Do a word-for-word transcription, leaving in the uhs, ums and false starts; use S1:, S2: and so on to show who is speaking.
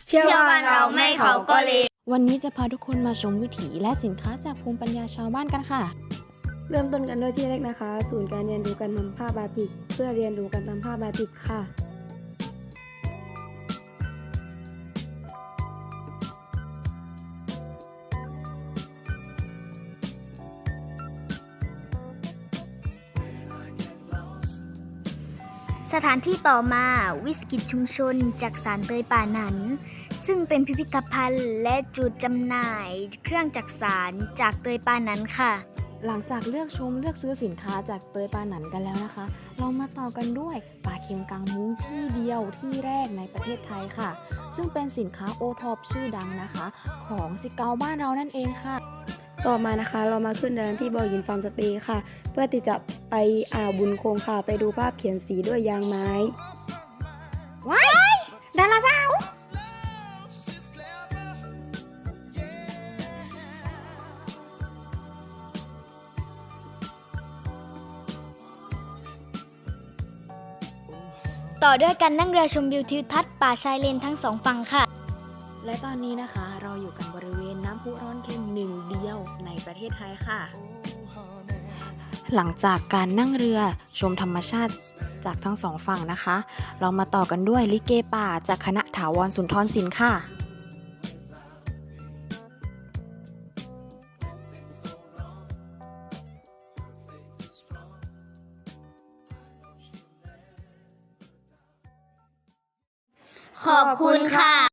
S1: เชื่อว่าเราไม่เขาก็เลว
S2: วันนี้จะพาทุกคนมาชมวิถีและสินค้าจากภูมิปัญญาชาวบ้านกันค่ะ
S1: เริ่มต้นกันด้วยที่แรกนะคะ ศูนย์การเรียนรู้การทำผ้าบาติกเพื่อเรียนรู้การทำผ้าบาติกค่ะ
S3: สถานที่ต่อมาวิสาหกิจชุมชนจากสารเตยป่าหนันซึ่งเป็นพิพิธภัณฑ์และจุดจำหน่ายเครื่องจักสานจากเตยป่าหนันค่ะ
S2: หลังจากเลือกชมเลือกซื้อสินค้าจากเตยปาหนันกันแล้วนะคะ เรามาต่อกันด้วยปลาเค็มกางมุ้งที่เดียวที่แรกในประเทศไทยค่ะ ซึ่งเป็นสินค้าโอท็อปชื่อดังนะคะ ของสิเกาบ้านเรานั่นเองค่ะ
S1: ต่อมานะคะเรามาขึ้นเดินที่บ่อหินฟาร์มสเตย์ค่ะ เพื่อที่จะไปอ่าวบุญคงค่ะไปดูภาพเขียนสีด้วยยางไม้
S3: ว้ายดาราสาว ต่อด้วยการนั่งเรือชมวิวทิวทัศน์ป่าชายเลนทั้งสองฝั่งค่ะ
S2: และตอนนี้นะคะเราอยู่กันบริเวณน้ำพุร้อนเค็มหนึ่งเดียวในประเทศไทยค่ะ หลังจากการนั่งเรือชมธรรมชาติจากทั้งสองฝั่งนะคะ เรามาต่อกันด้วยลิเกป่าจากคณะถาวรสุนทรศิลป์ค่ะ
S3: ขอบคุณค่ะ